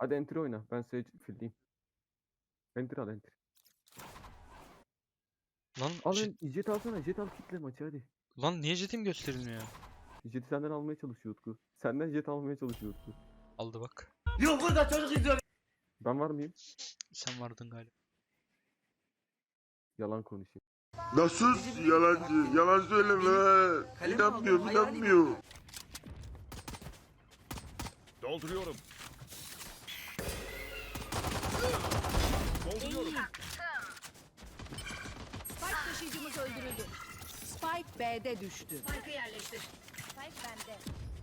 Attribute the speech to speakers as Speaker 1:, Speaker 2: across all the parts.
Speaker 1: Hadi entry oyna. Ben Sage field'iyim. Entry al entry.
Speaker 2: Lan
Speaker 1: Al jet alsana. Jet al kitle maçı hadi.
Speaker 2: lan niye jetim gösterilmiyor?
Speaker 1: Jet'i senden almaya çalışıyor Utku. Senden jet almaya çalışıyor Utku.
Speaker 2: Aldı bak.
Speaker 3: Yok burada çocuk izliyor.
Speaker 1: Ben var mıyım?
Speaker 2: Sen vardın galiba.
Speaker 1: Yalan konuşayım.
Speaker 4: Nasıl yalancı? Yalan söyleme. İnanmıyor.
Speaker 5: Dolduruyorum. Dolduruyorum.
Speaker 6: Spike taşıyıcımız öldürüldü. Spike B'de düştü. Spike'ı yerleştir. Spike bende.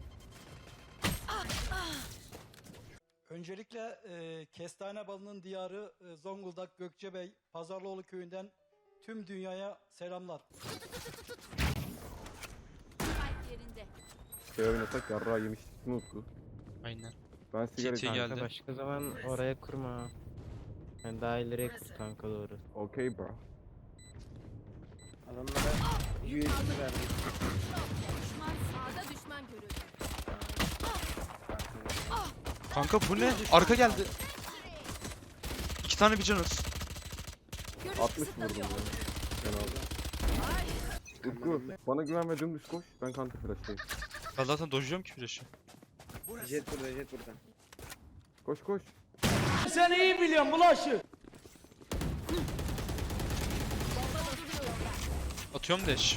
Speaker 7: Öncelikle Kestane Balı'nın diyarı Zonguldak Gökçebey Pazarlıoğlu köyünden tüm dünyaya selamlar.
Speaker 6: Spike yerinde.
Speaker 1: Şey oynasak yarrağı yemiştik mi Utku?
Speaker 2: Aynen.
Speaker 1: Ben sigara
Speaker 2: TT geldi.
Speaker 8: Başka zaman oraya kurma. Yani daha ileriye kur kanka doğru.
Speaker 1: Okay bro.
Speaker 3: Adamlara 100 verdim.
Speaker 6: Düşman sağda düşman görüldü.
Speaker 2: Kanka bu ne? Arka geldi. 2 tane bir canız.
Speaker 6: Görüş
Speaker 1: 60 vurdum
Speaker 6: kısıtlanıyor.
Speaker 1: ya. Ben aldım. Utku bana güven ve dümdüz koş. Ben counter flash'tayım.
Speaker 2: Ben zaten dojluyorum ki flash'ı.
Speaker 3: Jet burada, jet burada.
Speaker 1: Koş koş.
Speaker 7: Sen iyi biliyorsun bulaşı.
Speaker 2: Atıyorum dash.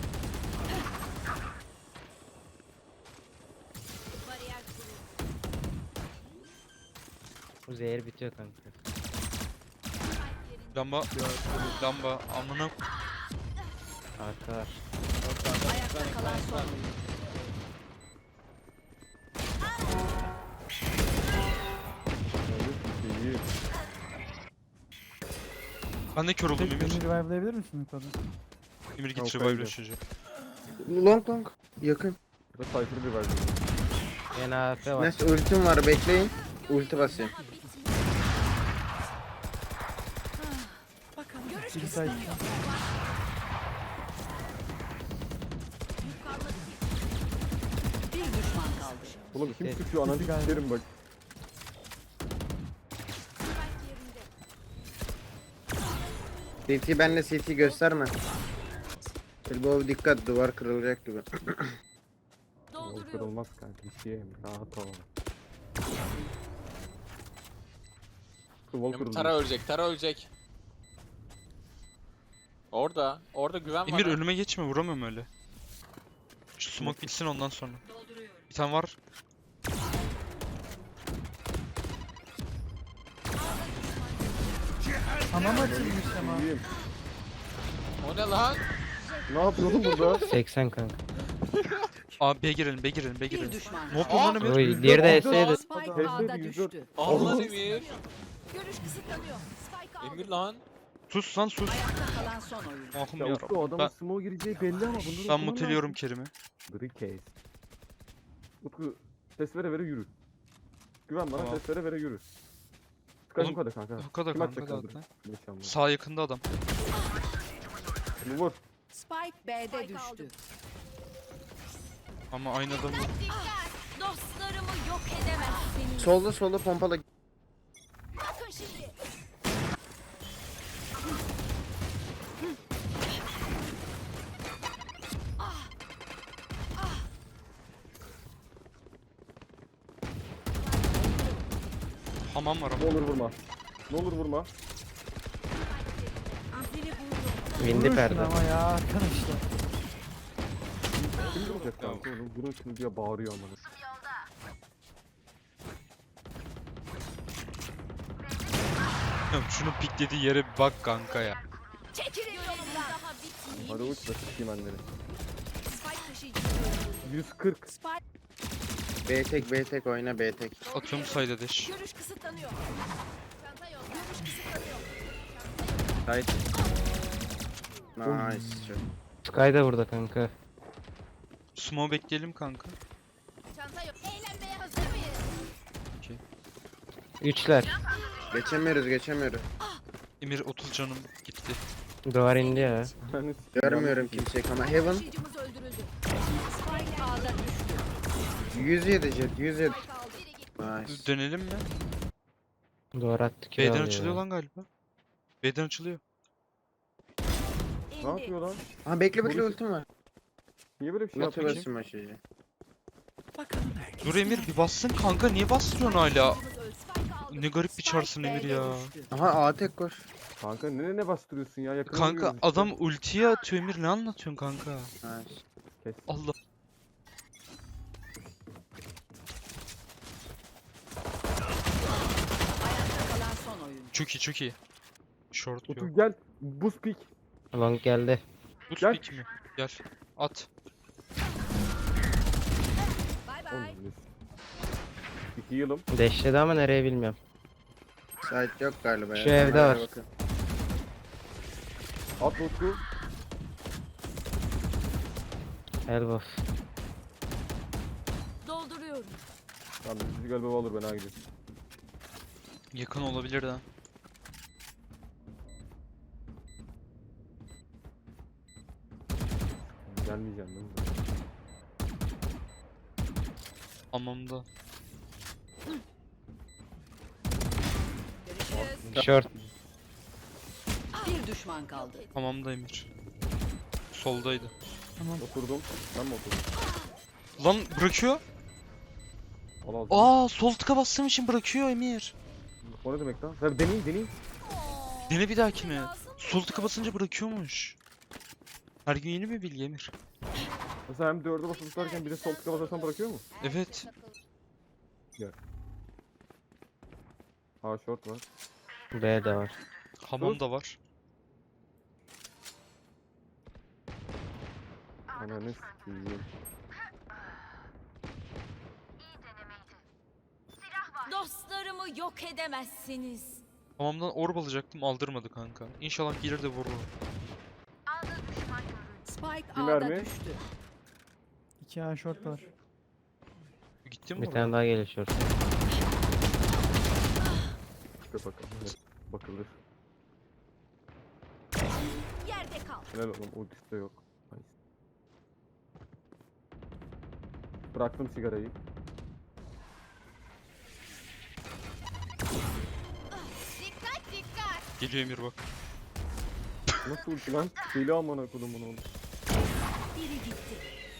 Speaker 6: Bariyer kuruldu.
Speaker 8: Bu zehir bitiyor kanka.
Speaker 6: Spike yerinde.
Speaker 2: Lamba amına.
Speaker 8: Arka var.
Speaker 6: Ayakta kalan son.
Speaker 1: İyi.
Speaker 2: Ben de kör oldum Emir.
Speaker 9: Revive'layabilir misin yukarıda?
Speaker 2: Emir git
Speaker 1: Yok,
Speaker 2: revive
Speaker 1: hayır.
Speaker 2: çocuğu.
Speaker 3: Long. Yakın.
Speaker 1: Burada Cypher'ı bir verdim.
Speaker 8: Yine AF var.
Speaker 3: Neyse ultim var bekleyin. Ulti basayım.
Speaker 6: Daha bitmiyor. Bakalım. Görüş
Speaker 9: Bir
Speaker 6: kısıtlanıyor.
Speaker 9: site.
Speaker 6: Bir düşman kaldı.
Speaker 1: Oğlum kim
Speaker 8: Evet.
Speaker 1: sıkıyor ananı
Speaker 9: galiba.
Speaker 1: sikerim bak.
Speaker 6: Spike yerinde.
Speaker 3: CT benle CT gösterme. Elbow dikkat, duvar kırılacak gibi.
Speaker 1: Yol
Speaker 6: Dolduruyor.
Speaker 1: kırılmaz kanka. Bir şey yemem. Rahat ol. Wall kırıldı.
Speaker 10: Tara ölecek, Tara ölecek. Orada güven var.
Speaker 2: Emir
Speaker 10: ha.
Speaker 2: önüme geçme, vuramıyorum öyle. Şu smoke bitsin ondan sonra. Bir tane var.
Speaker 9: Hamam açılmış ama.
Speaker 1: İyiyim.
Speaker 10: O ne lan?
Speaker 1: Ne yapıyorsun burada?
Speaker 8: 80 kanka.
Speaker 2: Aa B girelim, B girelim, B
Speaker 6: Bir
Speaker 2: girelim.
Speaker 6: düşman
Speaker 2: Ne yapıyorsun lan Emir?
Speaker 8: Oy diğeri de S'ydi.
Speaker 6: Spike
Speaker 1: Hesle
Speaker 6: A'da
Speaker 1: bir
Speaker 6: düştü.
Speaker 10: Allah Emir.
Speaker 6: Görüş kısıtlanıyor. Spike aldı.
Speaker 10: Emir lan.
Speaker 2: Sus lan sus.
Speaker 6: Ayakta kalan son oyuncu.
Speaker 2: Ahım
Speaker 1: Ya
Speaker 2: ya.
Speaker 1: Utku o adamın
Speaker 2: Ben,
Speaker 1: smoke gireceği belli ama bunları
Speaker 2: ben
Speaker 1: okuman
Speaker 2: muteliyorum
Speaker 1: lazım.
Speaker 2: Kerim'i.
Speaker 1: Brickcase. Utku ses vere vere yürü. Güven bana
Speaker 2: Tamam.
Speaker 1: ses vere vere yürü. Sky
Speaker 2: Oğlum,
Speaker 1: bu kadar kanka.
Speaker 2: Bu kadar
Speaker 1: Kim
Speaker 2: kanka
Speaker 1: atacak
Speaker 2: zaten.
Speaker 1: Nişanlı.
Speaker 2: Sağ yakında adam.
Speaker 1: Bunu vur.
Speaker 6: Spike B'de düştü.
Speaker 2: Ama aynı adam.
Speaker 6: Dostlarımı yok edemezsiniz.
Speaker 3: Solda pompalı.
Speaker 6: Bakın şimdi.
Speaker 2: Hamam var ama.
Speaker 1: Ne olur vurma. Ne olur vurma.
Speaker 6: Biri buldu.
Speaker 8: Windi
Speaker 9: Vurursun
Speaker 8: perde.
Speaker 9: ama ya arkadaşlar.
Speaker 1: Kim vuracak kanka onu? Vurun şunu diye bağırıyor amına.
Speaker 2: Şunun piklediği yere bir bak kanka ya.
Speaker 6: Çekilin yolumdan. Daha bitmiyor.
Speaker 1: Hadi uç da sikeyim anneni.
Speaker 6: Spike taşıyıcısı.
Speaker 1: 140.
Speaker 6: Spike
Speaker 3: B tek oyna B tek.
Speaker 2: Atıyorum sayda dash.
Speaker 6: görüş kısıtlanıyor. Çanta yok. Görüş kısıtlanıyor.
Speaker 3: Tight. Nice.
Speaker 8: Sky da burada kanka.
Speaker 2: Smoke bekleyelim kanka.
Speaker 6: Çanta yok. Eğlenmeye hazır mıyız?
Speaker 8: Üçler.
Speaker 3: Geçemiyoruz.
Speaker 10: Emir 30 canım gitti.
Speaker 8: Duvar indi ya.
Speaker 1: Yani
Speaker 3: Görmüyorum kimseyi ama Heaven
Speaker 6: Taşıyıcımız öldürüldü. Spike A'da düştü.
Speaker 3: 107 jet 107.
Speaker 6: Spike aldı. Biri gitti.
Speaker 3: Nice.
Speaker 2: Dönelim mi?
Speaker 8: Duvar attı ki
Speaker 2: B'den açılıyor lan galiba. B'den açılıyor.
Speaker 1: Ne yapıyor lan?
Speaker 3: Ha bekle bekle
Speaker 1: Polis-
Speaker 3: ultim var.
Speaker 1: Niye böyle bir şey
Speaker 3: Nasıl
Speaker 1: yapıyor?
Speaker 3: basayım açıcı?
Speaker 2: Dur Emir bir bassın kanka, niye bastırıyorsun hala?
Speaker 6: Spike aldı.
Speaker 2: Ne garip bir çarsın Emir
Speaker 6: B'de
Speaker 2: ya.
Speaker 6: düştü.
Speaker 3: Aha A tek koş.
Speaker 1: Kanka ne bastırıyorsun ya? Yakına
Speaker 2: Kanka
Speaker 1: vuruyoruz işte.
Speaker 2: adam ultiye atıyor Emir, ne anlatıyorsun kanka?
Speaker 3: Ha.
Speaker 2: Allah.
Speaker 6: Ayakta kalan son oyuncu.
Speaker 2: Çok iyi çok iyi. Short yok.
Speaker 1: Otur gel. Buz pik.
Speaker 8: Long geldi.
Speaker 2: Boost
Speaker 1: Gel.
Speaker 2: pick mi? Gel. At.
Speaker 6: Bay bay.
Speaker 1: Oğlum, 2 yılım.
Speaker 8: Deşledi ama nereye bilmiyorum.
Speaker 3: Site yok galiba ya.
Speaker 8: Şu evde
Speaker 3: Kameraya
Speaker 8: var.
Speaker 3: bakın.
Speaker 1: At Utku.
Speaker 8: Elbow.
Speaker 6: Dolduruyorum.
Speaker 1: Tamam bizi galiba alır ben ha gidiyorum.
Speaker 2: Yakın olabilir de.
Speaker 1: Gelmeyeceğim değil mi?
Speaker 2: Hamamda.
Speaker 6: Görüşürüz.
Speaker 8: Short.
Speaker 6: Bir düşman kaldı.
Speaker 2: Hamamda Emir. Soldaydı.
Speaker 1: Oturdum. Ben mi oturdum?
Speaker 2: Lan bırakıyor.
Speaker 1: Al al.
Speaker 2: Aa sol tıka bastığım için bırakıyor Emir.
Speaker 1: O ne demek lan? Sen deneyin.
Speaker 2: Dene bir dahakine. Sol tıka basınca bırakıyormuş. Her gün yeni bir bilgi Emir.
Speaker 1: Mesela hem 4'e basılı tutarken bir de sol tıka basarsan bırakıyor mu?
Speaker 2: Evet.
Speaker 1: Ha short var.
Speaker 8: B de var.
Speaker 2: Hamam da var.
Speaker 1: Ananı s**eyim.
Speaker 6: Dostlarımı yok edemezsiniz.
Speaker 2: Hamamdan orb alacaktım, aldırmadı kanka. İnşallah gelir de vurur.
Speaker 6: Spike
Speaker 1: Bir
Speaker 6: A'da
Speaker 1: mermi.
Speaker 6: düştü.
Speaker 9: 2 A short var.
Speaker 2: Gitti mi
Speaker 8: Bir
Speaker 2: oraya?
Speaker 8: tane daha geliyor short.
Speaker 1: Çıkar bakalım. Evet, bakılır.
Speaker 6: Yerde kal.
Speaker 1: Helal oğlum ultisi de yok. Nice. Bıraktım sigarayı.
Speaker 2: Geliyor Emir bak.
Speaker 1: Nasıl ulti lan? Deli amına kodum bunu oğlum.
Speaker 6: Biri gitti.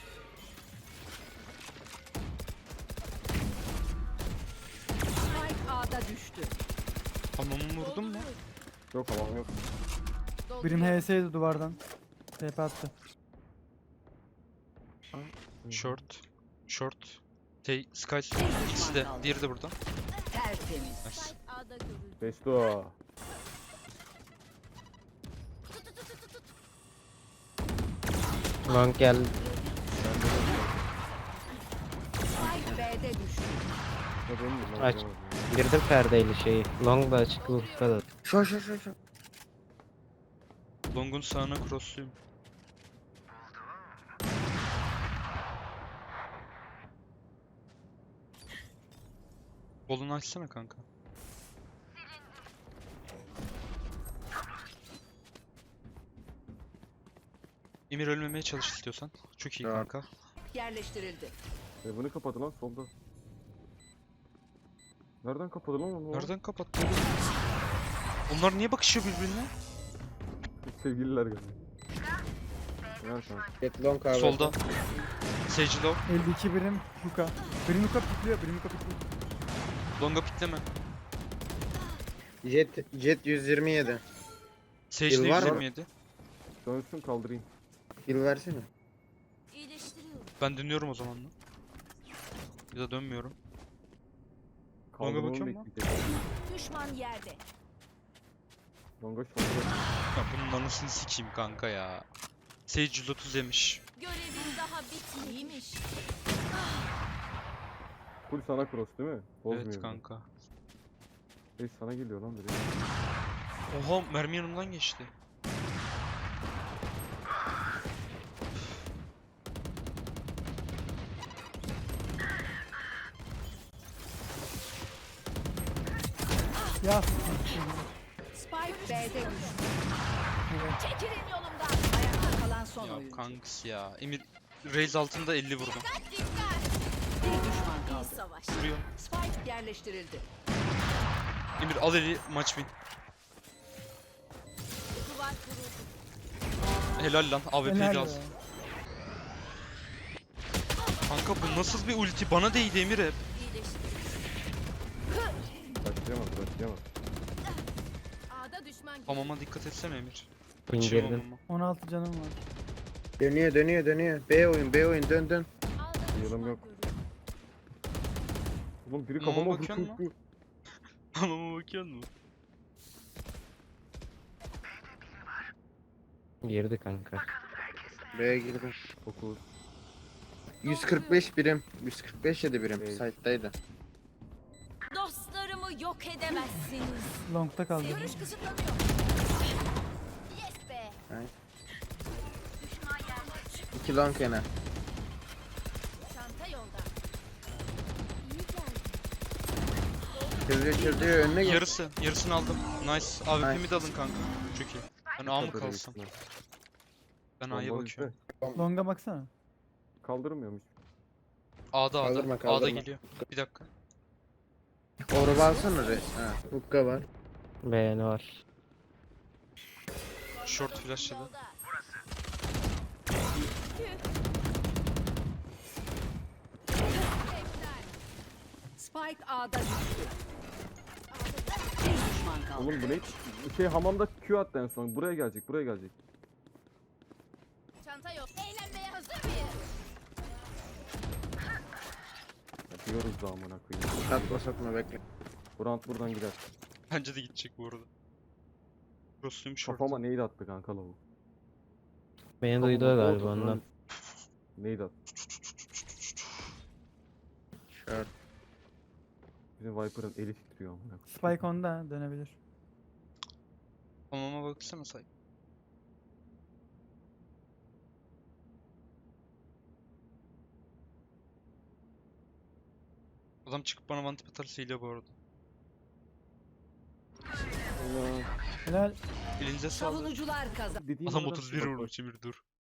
Speaker 6: Spike A'da düştü.
Speaker 2: Hamamı vurdun mu?
Speaker 1: Yok tamam yok.
Speaker 9: Birim HS'ydi duvardan. TP attı.
Speaker 2: Short. Short. Sky.
Speaker 6: düşman
Speaker 2: İkisi de.
Speaker 6: kaldı.
Speaker 2: Diğeri de burada.
Speaker 6: Tertemiz.
Speaker 2: Nice.
Speaker 6: A'da görüldü.
Speaker 1: Besto.
Speaker 8: Long geldi.
Speaker 6: Spike B'de düştü.
Speaker 1: Ne benim mi?
Speaker 8: Aç. Girdim perdeyle şeyi. Long da açık ufka da.
Speaker 3: Şu.
Speaker 2: Long'un sağına crossluyum. Bolunu açsana kanka. Emir ölmemeye çalış istiyorsan. Çok iyi
Speaker 3: Tamam.
Speaker 2: kanka.
Speaker 6: Yerleştirildi.
Speaker 1: Bunu kapadı lan solda. Nereden kapadı lan onu?
Speaker 2: Nereden kapattı oğlum? Onlar niye bakışıyor birbirine?
Speaker 1: Sevgililer geldi. Ver kanka.
Speaker 3: Get long abi.
Speaker 2: Solda. Sage low.
Speaker 9: 52 birim Luka. Birim Luka pikliyor. Birim Luka pikliyor.
Speaker 2: Long'a pikleme.
Speaker 3: Jet 127.
Speaker 2: Sage
Speaker 3: Heal
Speaker 2: de
Speaker 3: var mı?
Speaker 2: 127.
Speaker 1: Dönsün kaldırayım.
Speaker 3: Heal versene.
Speaker 6: İyileştiriyorum.
Speaker 2: Ben dönüyorum o zaman. Ya da dönmüyorum.
Speaker 1: Kaldırmamı
Speaker 2: bakıyor mu?
Speaker 1: bekleyecek.
Speaker 6: Düşman yerde.
Speaker 1: Longa şurada.
Speaker 2: Ya bunun anasını sikeyim kanka ya. Sage 130 yemiş.
Speaker 6: Görevin daha bitmeymiş.
Speaker 1: Full sana cross değil mi? Bozmuyor.
Speaker 2: Evet kanka.
Speaker 1: Sana geliyor lan direkt.
Speaker 2: Oha mermi yanımdan geçti.
Speaker 9: Ya.
Speaker 6: Spike B'de düştü. Çekilin yolumdan. Ayakta kalan son
Speaker 2: Ya
Speaker 6: oyuncu.
Speaker 2: kanks ya. Emir Raze altında 50 vurdum.
Speaker 6: Bir düşman kaldı.
Speaker 2: Vuruyor.
Speaker 6: Spike yerleştirildi.
Speaker 2: Emir al eli maç win.
Speaker 6: Duvar kuruldu.
Speaker 2: Helal lan AWP'yi de
Speaker 9: Helal
Speaker 2: al.
Speaker 9: be.
Speaker 2: Kanka bu nasıl bir ulti? Bana değdi Emir hep.
Speaker 1: Başlayamaz başlayamaz.
Speaker 6: A'da düşman görüldü.
Speaker 2: Hamama dikkat etsene Emir. Kaçıyor
Speaker 8: İndirdim.
Speaker 2: hamama.
Speaker 9: 16 canım var.
Speaker 3: Dönüyor dönüyor dönüyor. B oyun B oyun dön dön.
Speaker 6: A'da
Speaker 1: Yılım
Speaker 6: düşman
Speaker 1: yok.
Speaker 6: görüldü.
Speaker 1: Oğlum biri
Speaker 2: Mama
Speaker 1: kafama
Speaker 2: bakıyor
Speaker 1: vurdu.
Speaker 2: mu? Hamama bakıyor musun?
Speaker 8: Girdi kanka.
Speaker 3: B'ye girdim.
Speaker 1: 9.
Speaker 3: 145 birim. 145 yedi birim.
Speaker 1: Bey.
Speaker 3: Site'daydı.
Speaker 6: Dostlarımı yok edemezsiniz.
Speaker 9: Long'ta kaldı.
Speaker 6: Görüş kısıtlanıyor. Yes be.
Speaker 3: 2 long yana.
Speaker 6: Çanta yolda. İyi geldi.
Speaker 3: Çözüyor önüne gel.
Speaker 2: Yarısını aldım. Nice. AWP'mi de alın kanka. Çok iyi. Ben A mı kalsam? Ben A'ya bakıyorum.
Speaker 9: Long'a baksana.
Speaker 1: Kaldırmıyormuş.
Speaker 2: A'da
Speaker 3: Kaldırma,
Speaker 2: A'da
Speaker 3: kaldırma.
Speaker 2: geliyor. Bir dakika.
Speaker 3: Orba alsana re. Ha. Hukka var.
Speaker 8: Beğeni var.
Speaker 2: Short flashladı.
Speaker 6: Yolda. Spike A'da düştü. Bir düşman kaldı.
Speaker 1: Oğlum bu ne? Şey hamamda Q attı en son. Buraya gelecek buraya gelecek.
Speaker 6: Çanta yok. Eğlenmeye hazır mıyız?
Speaker 1: Yapıyoruz da amına koyayım.
Speaker 3: Satma satma bekle.
Speaker 1: Bu round buradan gider.
Speaker 2: Bence de gidecek bu arada. Cross'luyum short.
Speaker 1: Kafama neydi attı kanka lavuk.
Speaker 8: Beni duydu
Speaker 1: Kafama
Speaker 8: galiba
Speaker 1: oldu,
Speaker 8: ondan.
Speaker 1: Neydi attı?
Speaker 3: Short.
Speaker 1: Bizim Viper'ın eli titriyor amına koyayım.
Speaker 9: Spike onda dönebilir.
Speaker 2: Hamama baksana say. Adam çıkıp bana one tip atarsa hile bu arada.
Speaker 1: Allah.
Speaker 9: Helal.
Speaker 2: Elinize sağlık.
Speaker 6: Savunucular kazandı.
Speaker 1: Dediğim
Speaker 2: Adam
Speaker 1: aradan
Speaker 2: 31
Speaker 1: bak, bak.
Speaker 2: vurmuş Emir dur.